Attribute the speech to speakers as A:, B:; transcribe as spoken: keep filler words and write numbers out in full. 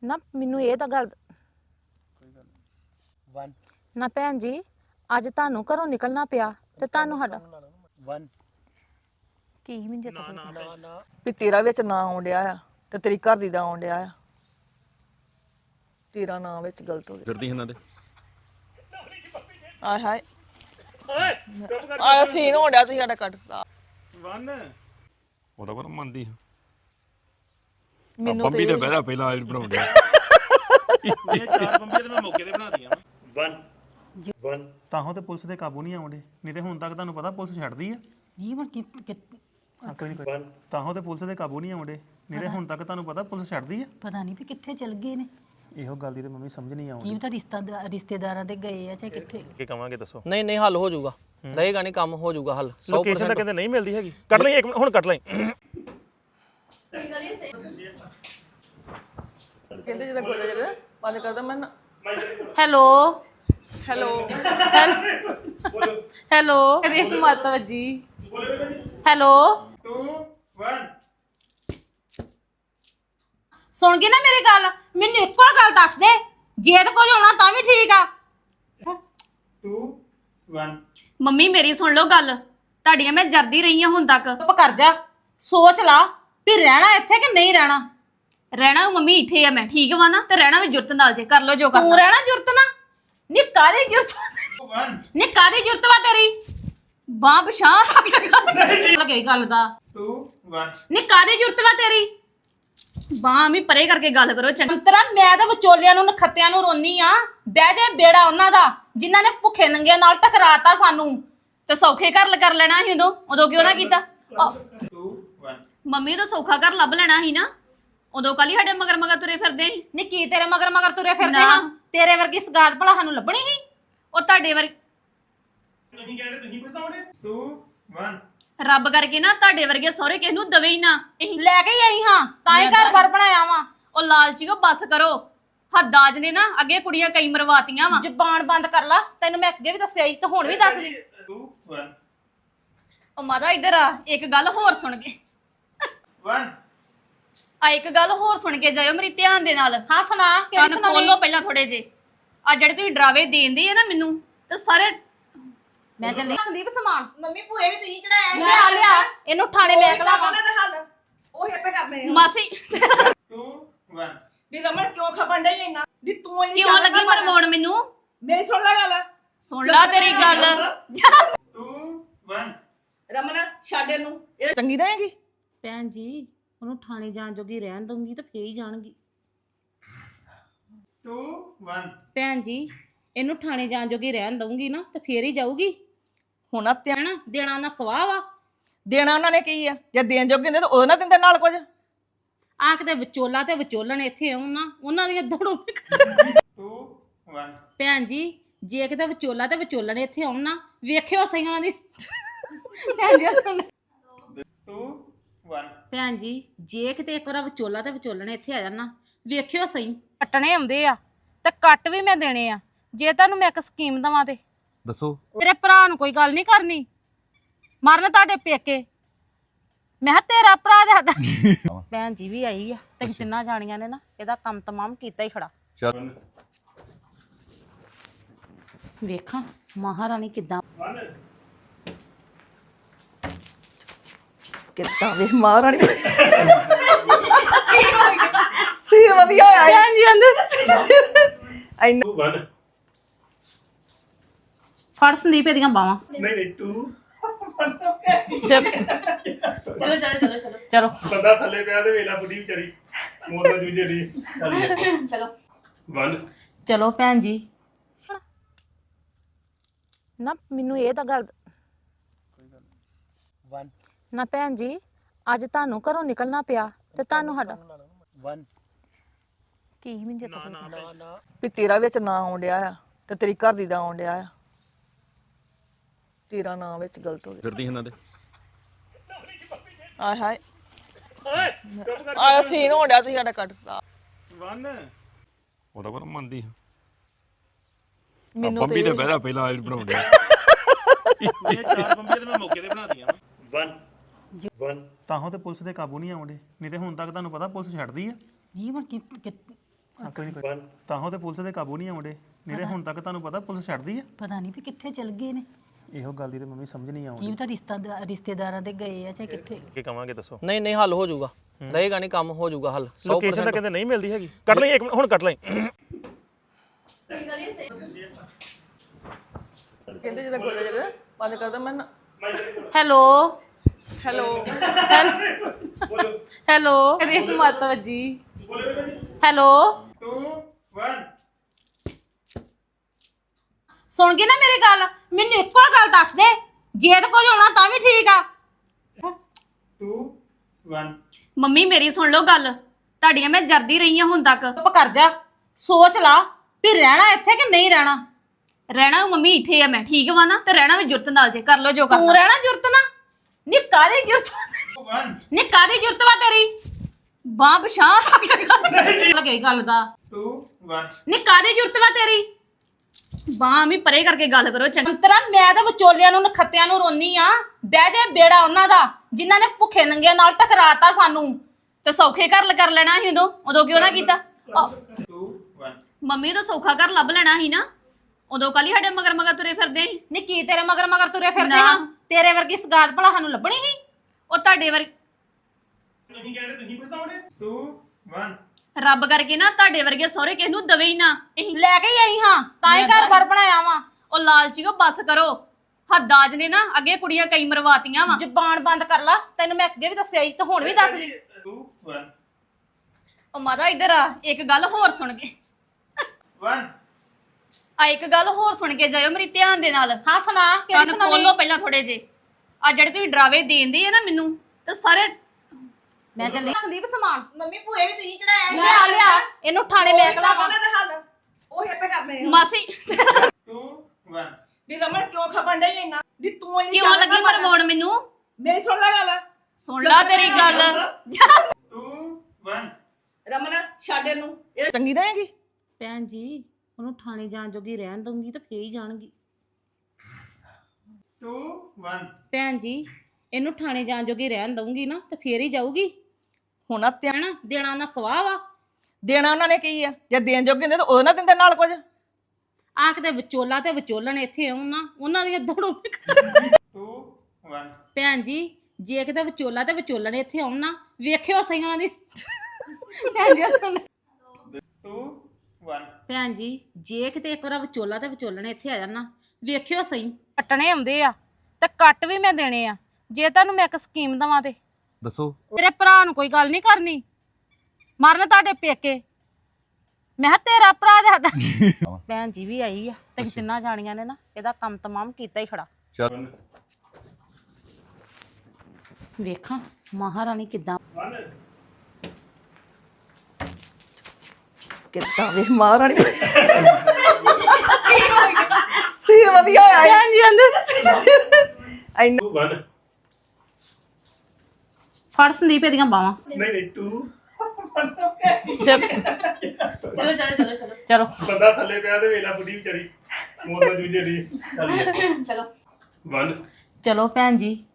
A: ਨਾ ਮੈਨੂੰ ਇਹ ਤਾਂ ਗੱਲ
B: वन
A: ਨਾ ਭੈਣ ਜੀ ਅੱਜ ਤੁਹਾਨੂੰ ਘਰੋਂ ਨਿਕਲਣਾ ਪਿਆ ਤੇ ਤੁਹਾਨੂੰ ਸਾਡਾ
B: वन
A: ਕੀ ਮੈਨੂੰ ਜਿੱਤ
B: ना ना
C: ਵੀ ਤੇਰਾ ਵਿੱਚ ਨਾਂ ਆਉਣ ਡਿਆ ਆ ਤੇ ਤੇਰੀ ਘਰ ਦੀ ਦਾ ਆਉਣ ਡਿਆ ਆ ਤੇਰਾ ਨਾਂ ਵਿੱਚ ਗਲਤ ਹੋ ਗਿਆ
D: ਫਿਰਦੀ ਇਹਨਾਂ ਦੇ
C: ਆਏ ਹਾਏ ਆਇਆ ਸੀਨ ਹੋਣ ਡਿਆ ਤੁਸੀਂ ਸਾਡਾ ਕੱਟਦਾ
B: वन
D: ਉਹਦਾ ਪਰ ਮੰਨਦੀ ਹਾਂ
C: ਮੈਨੂੰ
D: ਬੰਬੀ ਤੇ ਬਹਿਰਾ ਪਹਿਲਾਂ ਆਇਲ ਬਣਾਉਂਦੇ
B: ये चार बम्बी तो मैं मौके पे बना दिया वन वन
E: ਤਾਹੋਂ ਤੇ ਪੁਲਿਸ ਦੇ ਕਾਬੂ ਨਹੀਂ ਆਉਂਦੇ ਨਹੀਂ ਤੇ ਹੁਣ ਤੱਕ ਤੁਹਾਨੂੰ ਪਤਾ ਪੁਲਿਸ ਛੱਡਦੀ ਆ
F: ਨਹੀਂ ਪਰ ਕਿ ਕਿ-
E: ਹਾਂ, ਕੋਈ ਨਹੀਂ ਕੋਈ ਤਾਹੋਂ ਤੇ ਪੁਲਿਸ ਦੇ ਕਾਬੂ ਨਹੀਂ ਆਉਂਦੇ ਨਹੀਂ ਤੇ ਹੁਣ ਤੱਕ ਤੁਹਾਨੂੰ ਪਤਾ ਪੁਲਿਸ ਛੱਡਦੀ ਆ
F: ਪਤਾ ਨਹੀਂ ਵੀ ਕਿੱਥੇ ਚਲ ਗਏ ਨੇ
E: ਇਹੋ ਗੱਲ ਦੀ ਤੇ ਮੰਮੀ ਸਮਝ ਨਹੀਂ ਆਉਂਦੀ
F: ਕੀ ਤਾਂ ਰਿਸ਼ਤਾ ਰਿਸ਼ਤੇਦਾਰਾਂ ਦੇ ਗਏ ਆ ਚਾਹੇ ਕਿੱਥੇ
E: ਕੀ ਕਵਾਂਗੇ ਦੱਸੋ
G: ਨਹੀਂ ਨਹੀਂ ਹੱਲ ਹੋ ਜਾਊਗਾ ਰਹੇਗਾ ਨਹੀਂ ਕੰਮ ਹੋ ਜਾਊਗਾ ਹੱਲ
E: ਲੋਕੇਸ਼ਨ ਤਾਂ ਕਹਿੰਦੇ ਨਹੀਂ ਮਿਲਦੀ ਹੈਗੀ ਕੱਟ ਲਈ ਇੱਕ ਮਿੰਟ, ਹੁਣ ਕੱਟ ਲਈ
C: ਕਹਿੰਦੇ ਜਦੋਂ ਗੋਜਾ ਜਿਹੜਾ ਬੰਦ ਕਰਦਾ ਮੈਂ ਨਾ-
A: ਹੈਲੋ
C: ਹੈਲੋ
A: ਹੈਲੋ ਅਰੇ ਮਾਤਾ ਜੀ ਹੈਲੋ
B: टू वन
A: ਸੁਣ ਗਈ ਨਾ ਮੇਰੀ ਗੱਲ ਮੈਨੂੰ ਇੱਕੋ ਗੱਲ ਦੱਸ ਦੇ ਜੇ ਤਾਂ ਕੁਝ ਹੋਣਾ ਤਾਂ ਵੀ ਠੀਕ ਆ
B: टू वन
H: ਮੰਮੀ ਮੇਰੀ ਸੁਣ ਲਓ ਗੱਲ ਤੁਹਾਡੀਆਂ ਮੈਂ ਜਰਦੀ ਰਹੀ ਹਾਂ ਹੁਣ ਤੱਕ
A: ਚੁੱਪ ਕਰ ਜਾ ਸੋਚ ਲਾ ਵੀ ਰਹਿਣਾ ਇੱਥੇ ਕਿ ਨਹੀਂ ਰਹਿਣਾ
H: ਰਹਿਣਾ ਮੰਮੀ ਇੱਥੇ ਆ ਮੈਂ ਠੀਕ ਵਾ ਨਾ ਤੇ ਰਹਿਣਾ ਵੀ ਜੁਰਤ ਨਾਲ ਜੇ ਕਰ ਲਓ ਜੋ
A: ਤੂੰ
H: ਕਰਨਾ
A: ਰਹਿਣਾ ਜੁਰਤ ਨਾ ਨੀ ਕਾਦੀ ਜੁਰਤ
B: वन
H: ਨੀ ਕਾਦੀ ਜੁਰਤ ਵਾ ਤੇਰੀ ਬਾਹ ਬਸ਼ਾਹ
A: ਲੱਗੇ ਗੱਲ ਦਾ
B: टू वन
H: ਨੀ ਕਾਦੀ ਜੁਰਤ ਵਾ ਤੇਰੀ ਬਾਹ ਵੀ ਪਰੇ ਕਰਕੇ ਗੱਲ ਕਰੋ ਚੰਗਾ
A: ਅੰਤਰਾ ਮੈਂ ਤਾਂ ਵਿਚੋਲਿਆਂ ਨੂੰ ਨਖੱਤਿਆਂ ਨੂੰ ਰੋਨੀ ਆ ਬਹਿ ਜਾ ਬੇੜਾ ਉਹਨਾਂ ਦਾ ਜਿਨ੍ਹਾਂ ਨੇ ਭੁੱਖੇ ਨੰਗਿਆਂ ਨਾਲ ਟਕਰਾਤਾ ਸਾਨੂੰ
H: ਤੇ ਸੌਖੇ ਘਰ ਕਰ ਲੈਣਾ ਸੀ ਉਦੋਂ ਉਦੋਂ ਕਿਉਂ ਨਾ ਕੀਤਾ
B: टू वन
H: ਮੰਮੀ ਤਾਂ ਸੌਖਾ ਘਰ ਲੱਭ ਲੈਣਾ ਸੀ ਨਾ ਉਦੋਂ ਕੱਲ ਹੀ ਸਾਡੇ ਮਗਰ ਮਗਰ ਤੁਰੇ ਫਿਰਦੇ ਸੀ
A: ਨੀ ਕੀ ਤੇਰੇ ਮਗਰ ਮਗਰ ਤੁਰੇ ਫਿਰਦੇ
H: ਨਾ।
A: ਹਾਂ ਤੇਰੇ ਵਰਗੀ ਸਗਾਤ ਭਲਾ ਸਾਨੂੰ ਲੱਭਣੀ ਸੀ
H: ਉਹ ਤੁਹਾਡੇ ਵਰ
B: नहीं कह रहे नहीं बताओगे टू वन
H: ਰੱਬ ਕਰਕੇ ਨਾ ਤੁਹਾਡੇ ਵਰਗੇ ਸਹੁਰੇ ਕਿਸ ਨੂੰ ਦਵੇ ਹੀ ਨਾ ਇਹ
A: ਲੈ ਕੇ ਹੀ ਆਈ ਹਾਂ ਤਾਂ ਹੀ ਘਰ ਬਾਰ ਬਣਾਇਆ ਵਾ
H: ਉਹ ਲਾਲਚੀਓ ਬੱਸ ਕਰੋ ਹੱਦਾਜ ਨੇ ਨਾ ਅੱਗੇ ਕੁੜੀਆਂ ਕਈ ਮਰਵਾਤੀਆਂ ਵਾ
A: ਜ਼ਬਾਨ ਬੰਦ ਕਰ ਲਾ ਤੈਨੂੰ ਮੈਂ ਅੱਗੇ ਵੀ ਦੱਸਿਆ ਸੀ ਤੇ ਹੁਣ ਵੀ ਦੱਸ ਦੀ
B: टू वन
H: ਉਹ ਮਾਦਾ ਇੱਧਰ ਆ ਇੱਕ ਗੱਲ ਹੋਰ ਸੁਣ ਕੇ
B: वन
H: ਆ ਇੱਕ ਗੱਲ ਹੋਰ ਸੁਣ ਕੇ ਜਾਇਓ ਮੇਰੀ ਧਿਆਨ ਦੇ ਨਾਲ
A: ਹਾਂ ਸੁਣਾ ਕਿਹੜੀ
H: ਕੰਨ
A: ਸੁਣਾਉਣੀ
H: ਖੋਲੋ ਪਹਿਲਾਂ ਥੋੜੇ ਜੇ ਆ ਜਿਹੜੇ ਤੁਸੀਂ ਡਰਾਵੇ ਦੇਂਦੇ ਆ ਨਾ ਮੈਨੂੰ ਤੇ ਸਾਰੇ
A: ਮੈਂ ਚੱਲੀ ਸੰਦੀਪ ਸਮਾਨ
I: ਮੰਮੀ ਭੂਏ ਵੀ ਤੁਸੀਂ ਚੜਾਇਆ
A: ਲਿਆ ਲਿਆ ਇਹਨੂੰ ਥਾਣੇ ਮੈਂ ਕਲਾ
I: ਉਹਨਾਂ ਦਾ ਹੱਲ ਉਹ ਹਿੱਪੇ ਕਰਨੇ ਆ
H: ਮਾਸੀ
B: टू वन
I: ਦੀ ਰਮਨ ਕਿਉਂ ਖਪਣ ਡਈ ਇੰਨਾ ਦੀ ਤੂੰ ਇੰਨੀ
H: ਕਿਉਂ ਲੱਗੀ ਮਰਵਾਉਣ ਮੈਨੂੰ
I: ਮੇਰੀ ਸੁਣ ਲੈ ਗੱਲ
H: ਸੁਣ ਲਾ ਤੇਰੀ ਗੱਲ
B: टू वन
I: ਰਮਨ ਛੱਡ ਇਹਨੂੰ ਇਹ
C: ਚੰਗੀ ਰਹੇਗੀ
F: ਭੈਣ ਜੀ ਉਹਨੂੰ ਥਾਣੇ ਜਾਣ ਜੋਗੀ ਰਹਿਣ ਦਊਂਗੀ ਤਾਂ ਫੇਰ ਹੀ ਜਾਣਗੀ
B: टू वन
F: ਭੈਣ ਜੀ ਇਹਨੂੰ ਥਾਣੇ ਜਾਣ ਜੋਗੀ ਰਹਿਣ ਦਊਂਗੀ ਨਾ ਤਾਂ ਫੇਰ ਹੀ ਜਾਊਗੀ
C: ਹੁਣ ਆ ਧਿਆਨ
F: ਹੈਨਾ ਦੇਣਾ ਉਹਨਾਂ ਸਵਾਹ ਵਾ
C: ਦੇਣਾ ਉਹਨਾਂ ਨੇ ਕੀ ਆ ਜੇ ਦੇਣ ਜੋਗੇ ਹੁੰਦੇ ਤਾਂ ਉਹ ਨਾ ਦਿੰਦੇ ਨਾਲ ਕੁਝ
F: ਆ ਕਿਤੇ ਵਿਚੋਲਾ ਤੇ ਵਿਚੋਲਣ ਇੱਥੇ ਆਉਣ ਨਾ ਉਹਨਾਂ ਦੀਆਂ ਦੜੋਂ
B: टू वन
F: ਭੈਣ ਜੀ ਜੇ ਕਿਤੇ ਵਿਚੋਲਾ ਤੇ ਵਿਚੋਲਣ ਇੱਥੇ ਆਉਣ ਨਾ ਵੇਖਿਓ ਸਹੀ ਉਹਨਾਂ ਦੀ ਭੈਣ ਜੀ ਸੁਣ
B: टू वन
F: ਭੈਣ ਜੀ ਜੇ ਕਿਤੇ ਇੱਕ ਵਾਰ ਵਿਚੋਲਾ ਤੇ ਵਿਚੋਲਣ ਇੱਥੇ ਆ ਜਾਣ ਨਾ ਵੇਖਿਓ ਸਹੀ
A: ਕੱਟਣੇ ਆਉਂਦੇ ਆ ਤੇ ਕੱਟ ਵੀ ਮੈਂ ਦੇਣੇ ਆ ਜੇ ਤੁਹਾਨੂੰ ਮੈਂ ਇੱਕ ਸਕੀਮ ਦਵਾਂ ਤੇ
D: ਦੱਸੋ
A: ਤੇਰੇ ਭਰਾ ਨੂੰ ਕੋਈ ਗੱਲ ਨਹੀਂ ਕਰਨੀ ਮਰਨ ਤੁਹਾਡੇ ਪੇਕੇ ਮੈਂ ਕਿਹਾ ਤੇਰਾ ਭਰਾ ਤੇ ਸਾਡਾ ਭੈਣ ਜੀ ਵੀ ਆਈ ਆ ਤੇ ਤਿੰਨਾਂ ਜਾਣੀਆਂ ਨੇ ਨਾ ਇਹਦਾ ਕੰਮ ਤਮਾਮ ਕੀਤਾ ਹੀ ਖੜਾ
D: ਚੱਲ
F: ਵੇਖਾਂ ਮਹਾਰਾਣੀ ਕਿੱਦਾਂ
C: ਕਿੱਦਾਂ ਵੇ ਮਹਾਰਾਣੀ ਸੀ ਵਧੀਆ ਆਇਆ
A: ਭੈਣ ਜੀ ਅੰਦਰ
C: ਇੰਨਾ
B: टू वन
F: ਫੜ ਸੰਦੀਪ ਇਹਦੀਆਂ ਬਾਵਾਂ
B: नहीं नहीं टू
A: ਚਲੋ ਚਲੋ ਚਲੋ ਚਲੋ ਚਲੋ
B: ਬੰਦਾ ਥੱਲੇ ਪਿਆ ਤੇ ਵੇਲਾ ਬੁੱਢੀ ਵਿਚਾਰੀ ਮੋਰ ਜੂਝੇ ਲਈ
A: ਚਲੋ
B: वन
F: ਚਲੋ ਭੈਣ ਜੀ
A: ਨਾ ਮੈਨੂੰ ਇਹ ਤਾਂ ਗੱਲ
B: वन
A: ਨਾ ਭੈਣ ਜੀ ਅੱਜ ਤੁਹਾਨੂੰ ਘਰੋਂ ਨਿਕਲਣਾ ਪਿਆ ਤੇ ਤੁਹਾਨੂੰ ਸਾਡਾ
B: वन
A: ਕੀ ਮੈਨੂੰ ਜਿੱਤ
B: ना ना
C: ਵੀ ਤੇਰਾ ਵਿੱਚ ਨਾਂ ਆਉਣ ਡਿਆ ਆ ਤੇ ਤੇਰੀ ਘਰ ਦੀ ਦਾ ਆਉਣ ਡਿਆ ਆ ਤੇਰਾ ਨਾਂ ਵਿੱਚ ਗਲਤ ਹੋ ਗਿਆ
D: ਫਿਰਦੀ ਇਹਨਾਂ ਦੇ
C: ਆਏ ਹਾਏ ਆਇਆ ਸੀਨ ਹੋਣ ਡਿਆ ਤੁਸੀਂ ਸਾਡਾ ਕੱਟਦਾ
B: वन
D: ਉਹਦਾ ਪਰ ਮੰਨਦੀ ਹਾਂ
C: ਮੈਨੂੰ
D: ਬੰਬੀ ਤੇ ਬਹਿਰਾ ਪਹਿਲਾਂ ਆਇਲ ਬਣਾਉਂਦੇ
B: ये चार बम्बी तो मैं मौके पे बना दिया वन वन
E: ਤਾਹੋਂ ਤੇ ਪੁਲਿਸ ਦੇ ਕਾਬੂ ਨਹੀਂ ਆਉਂਦੇ ਨਹੀਂ ਤੇ ਹੁਣ ਤੱਕ ਤੁਹਾਨੂੰ ਪਤਾ ਪੁਲਿਸ ਛੱਡਦੀ ਆ
F: ਨਹੀਂ ਪਰ ਕਿ ਕਿ-
E: ਕੋਈ ਨਹੀਂ ਤਾਹੋਂ ਤੇ ਪੁਲਿਸ ਦੇ ਕਾਬੂ ਨਹੀਂ ਆਉਂਦੇ ਮੇਰੇ ਹੁਣ ਤੱਕ ਤੁਹਾਨੂੰ ਪਤਾ ਪੁਲਿਸ ਛੱਡਦੀ ਆ
F: ਪਤਾ ਨਹੀਂ ਵੀ ਕਿੱਥੇ ਚਲ ਗਏ ਨੇ
E: ਇਹੋ ਗੱਲ ਦੀ ਤੇ ਮੰਮੀ ਸਮਝ ਨਹੀਂ ਆਉਂਦੀ
F: ਕੀ ਤਾਂ ਰਿਸ਼ਤਾ ਰਿਸ਼ਤੇਦਾਰਾਂ ਦੇ ਗਏ ਆ ਚਾਹੇ ਕਿੱਥੇ
E: ਕੀ ਕਵਾਂਗੇ ਦੱਸੋ
G: ਨਹੀਂ ਨਹੀਂ ਹੱਲ ਹੋ ਜਾਊਗਾ ਰਹੇਗਾ ਨਹੀਂ ਕੰਮ ਹੋ ਜਾਊਗਾ ਹੱਲ ਸੌ
E: ਲੋਕੇਸ਼ਨ ਤਾਂ
G: percent
E: ਕਹਿੰਦੇ ਨਹੀਂ ਮਿਲਦੀ ਹੈਗੀ ਕੱਢ ਲਈ ਇੱਕ ਮਿੰਟ ਹੁਣ ਕੱਢ ਲਈ
C: ਕਹਿੰਦੇ ਜਦੋਂ ਗੋਲੇ ਜਿਹੜੇ ਬੰਦ ਕਰਦਾ ਮੈਂ
A: ਹੈਲੋ
C: ਹੈਲੋ
A: ਹੈਲੋ ਕਰੀ ਮਤ ਵੱਜੀ ਹੈਲੋ ਸੁਣ ਗਈ ਨਾ ਮੇਰੀ ਗੱਲ ਮੈਨੂੰ ਇੱਕੋ ਗੱਲ ਦੱਸ ਦੇ ਜੇ ਤਾਂ ਕੁਝ ਹੋਣਾ ਤਾਂ ਵੀ ਠੀਕ ਆ
H: ਮੰਮੀ ਮੇਰੀ ਸੁਣ ਲਓ ਗੱਲ ਤੁਹਾਡੀਆਂ ਮੈਂ ਜਰਦੀ ਰਹੀ ਹਾਂ ਹੁਣ ਤੱਕ
A: ਚੁੱਪ ਕਰ ਜਾ ਸੋਚ ਲਾ ਵੀ ਰਹਿਣਾ ਇੱਥੇ ਕਿ ਨਹੀਂ ਰਹਿਣਾ
H: ਰਹਿਣਾ ਮੰਮੀ ਇੱਥੇ ਆ ਮੈਂ ਠੀਕ ਵਾ ਨਾ ਤੇ ਰਹਿਣਾ ਵੀ ਜੁਰਤ ਨਾਲ ਜੇ ਕਰ ਲਓ ਜੋ
A: ਤੂੰ
H: ਕਰਨਾ
A: ਰਹਿਣਾ ਜੁਰਤ ਨਾ ਨੀ ਕਾਦੀ ਜੁਰਤ ਨੀ ਕਾਦੀ ਜੁਰਤ ਵਾ ਤੇਰੀ
H: ਬਾਹ ਬਸ਼ਾਹ
A: ਲੱਗੇ ਗੱਲ ਦਾ ਨੀ ਕਾਦੀ ਜੁਰਤ ਵਾ ਤੇਰੀ
H: ਬਾਹ ਵੀ ਪਰੇ ਕਰਕੇ ਗੱਲ ਕਰੋ ਚੰਗਾ
A: ਅੰਤਰਾ ਮੈਂ ਤਾਂ ਵਿਚੋਲਿਆਂ ਨੂੰ ਨਖੱਤਿਆਂ ਨੂੰ ਰੋਨੀ ਆ ਬਹਿ ਜਾ ਬੇੜਾ ਉਹਨਾਂ ਦਾ ਜਿਨ੍ਹਾਂ ਨੇ ਭੁੱਖੇ ਨੰਗਿਆਂ ਨਾਲ ਟਕਰਾਤਾ ਸਾਨੂੰ
H: ਤੇ ਸੌਖੇ ਘਰ ਕਰ ਲੈਣਾ ਸੀ ਉਦੋਂ ਉਦੋਂ ਕਿਉਂ ਨਾ ਕੀਤਾ ਮੰਮੀ ਤਾਂ ਸੌਖਾ ਘਰ ਲੱਭ ਲੈਣਾ ਸੀ ਨਾ ਉਦੋਂ ਕੱਲ ਹੀ ਸਾਡੇ ਮਗਰ ਮਗਰ ਤੁਰੇ ਫਿਰਦੇ ਸੀ
A: ਨੀ ਕੀ ਤੇਰੇ ਮਗਰ ਮਗਰ ਤੁਰੇ ਫਿਰਦੇ
H: ਨਾ।
A: ਆ ਤੇਰੇ ਵਰਗੀ ਸਗਾਤ ਭਲਾ ਸਾਨੂੰ ਲੱਭਣੀ ਸੀ
H: ਉਹ ਤੁਹਾਡੇ ਵਰ
B: ਤੁਸੀਂ ਕਹਿੰਦੇ ਤੁਸੀਂ ਪਛਤਾਉਣੇ two one
H: ਰੱਬ ਕਰਕੇ ਨਾ ਤੁਹਾਡੇ ਵਰਗੇ ਸਹੁਰੇ ਕਿਸ ਨੂੰ ਦਵੇ ਹੀ ਨਾ ਇਹ
A: ਲੈ ਕੇ ਹੀ ਆਈ ਹਾਂ ਤਾਂ ਹੀ ਘਰ ਘਰ ਬਣਾਇਆ ਵਾ
H: ਉਹ ਲਾਲਚੀਓ ਬੱਸ ਕਰੋ ਹੱਦਾਜ ਨੇ ਨਾ ਅੱਗੇ ਕੁੜੀਆਂ ਕਈ ਮਰਵਾਤੀਆਂ ਵਾ
A: ਜ਼ਬਾਨ ਬੰਦ ਕਰ ਲਾ ਤੈਨੂੰ ਮੈਂ ਅੱਗੇ ਵੀ ਦੱਸਿਆ ਸੀ ਤੇ ਹੁਣ ਵੀ ਦੱਸ ਦੀ
B: two one
H: ਉਹ ਮਾਦਾ ਇੱਧਰ ਆ ਇੱਕ ਗੱਲ ਹੋਰ ਸੁਣ ਕੇ
B: one
H: ਆ ਇੱਕ ਗੱਲ ਹੋਰ ਸੁਣ ਕੇ ਜਾਇਓ ਮੇਰੀ ਧਿਆਨ ਦੇ ਨਾਲ
A: ਹਾਂ ਸੁਣਾ ਕਿਹੜੀ
H: ਕੰਨ
A: ਸੁਣਾਉਣੀ
H: ਖੋਲੋ ਪਹਿਲਾਂ ਥੋੜੇ ਜੇ ਆ ਜਿਹੜੇ ਤੁਸੀਂ ਡਰਾਵੇ ਦੇਂਦੇ ਆ ਨਾ ਮੈਨੂੰ ਤੇ ਸਾਰੇ
A: ਮੈਂ ਚੱਲੀ ਸੰਦੀਪ ਸਮਾਨ
I: ਮੰਮੀ ਭੂਏ ਵੀ ਤੁਸੀਂ ਚੜਾਇਆ
A: ਲਿਆ ਲਿਆ ਇਹਨੂੰ ਥਾਣੇ ਮੈਂ ਕਲਾ
I: ਉਹਨਾਂ ਦਾ ਹੱਲ ਉਹ ਆਪੇ ਕਰਨੇ ਆ
H: ਮਾਸੀ
B: two one
I: ਦੀ ਰਮਨ ਕਿਉਂ ਖਪਣ ਡਈ ਇੰਨਾ ਦੀ ਤੂੰ ਇੰਨੀ
H: ਕਿਉਂ ਲੱਗੀ ਮਰਵਾਉਣ ਮੈਨੂੰ
I: ਮੇਰੀ ਸੁਣ ਲੈ ਗੱਲ
H: ਸੁਣ ਲਾ ਤੇਰੀ ਗੱਲ
B: two one
I: ਰਮਨ ਛੱਡ ਇਹਨੂੰ ਇਹ ਚੰਗੀ ਰਹੇਗੀ
A: ਭੈਣ ਜੀ ਉਹਨੂੰ ਥਾਣੇ ਜਾਣ ਜੋਗੀ ਰਹਿਣ ਦਊਂਗੀ ਤਾਂ ਫੇਰ ਹੀ ਜਾਣਗੀ
B: two one
A: ਭੈਣ ਜੀ ਇਹਨੂੰ ਥਾਣੇ ਜਾਣ ਜੋਗੀ ਰਹਿਣ ਦਊਂਗੀ ਨਾ ਤੇ ਫੇਰ ਹੀ ਜਾਊਗੀ
C: ਹੁਣ ਆ ਧਿਆਨ
A: ਹੈਨਾ ਦੇਣਾ ਨਾ ਸਵਾਹ ਵਾ
C: ਦੇਣਾ ਉਹਨਾਂ ਨੇ ਕੀ ਆ ਜੇ ਦੇਣ ਜੋਗੇ ਹੁੰਦੇ ਤਾਂ ਉਹ ਨਾ ਦਿੰਦੇ ਨਾਲ ਕੁਝ
A: ਆ ਕਿਤੇ ਵਿਚੋਲਾ ਤੇ ਵਿਚੋਲਣ ਇੱਥੇ ਆਉਣ ਨਾ ਉਹਨਾਂ ਦੀਆਂ ਦੜੋਂ
B: two one
A: ਭੈਣ ਜੀ ਜੇ ਕਿਤੇ ਵਿਚੋਲਾ ਤੇ ਵਿਚੋਲਣ ਇੱਥੇ ਆਉਣ ਨਾ ਵੇਖਿਓ ਸਹੀ ਉਹਨਾਂ ਦੀ ਭੈਣ ਜੀ ਸੁਣ
B: two one
A: ਭੈਣ ਜੀ ਜੇ ਕਿਤੇ ਇੱਕ ਵਾਰ ਵਿਚੋਲਾ ਤੇ ਵਿਚੋਲਣ ਇੱਥੇ ਆ ਜਾਣ ਨਾ ਵੇਖਿਓ ਸਹੀ ਕੱਟਣੇ ਆਉਂਦੇ ਆ ਤੇ ਕੱਟ ਵੀ ਮੈਂ ਦੇਣੇ ਆ ਜੇ ਤੁਹਾਨੂੰ ਮੈਂ ਇੱਕ ਸਕੀਮ ਦਵਾਂ ਤੇ
D: ਦੱਸੋ
A: ਤੇਰੇ ਭਰਾ ਨੂੰ ਕੋਈ ਗੱਲ ਨਹੀਂ ਕਰਨੀ ਮਰਨ ਤੁਹਾਡੇ ਪੇਕੇ ਮੈਂ ਕਿਹਾ ਤੇਰਾ ਭਰਾ ਤੇ ਸਾਡਾ ਭੈਣ ਜੀ ਵੀ ਆਈ ਆ ਤੇ ਤਿੰਨਾਂ ਜਾਣੀਆਂ ਨੇ ਨਾ ਇਹਦਾ ਕੰਮ ਤਮਾਮ ਕੀਤਾ ਹੀ ਖੜਾ
D: ਚੱਲ
A: ਵੇਖਾਂ ਮਹਾਰਾਣੀ ਕਿੱਦਾਂ
C: ਕਿੱਦਾਂ ਵੇ ਮਹਾਰਾਣੀ ਸੀ ਵਧੀਆ ਹੋਇਆ
A: ਭੈਣ ਜੀ ਆਂਦੇ
C: ਇੰਨਾ
B: two one
A: ਫੜ ਸੰਦੀਪ ਇਹਦੀਆਂ ਬਾਵਾਂ
B: ਨਹੀਂ ਨਹੀਂ two
A: ਚਲੋ
H: ਚਲੋ ਚਲੋ ਚਲੋ ਚਲੋ
A: ਚਲੋ
B: ਬੰਦਾ ਥੱਲੇ ਪਿਆ ਤੇ ਵੇਲਾ ਬੁੱਢੀ ਵਿਚਾਰੀ ਮੋਰ ਦਾ ਜੂਝੇ ਦੀ ਚੱਲ
H: ਚਲੋ
B: one
A: ਚਲੋ ਭੈਣ ਜੀ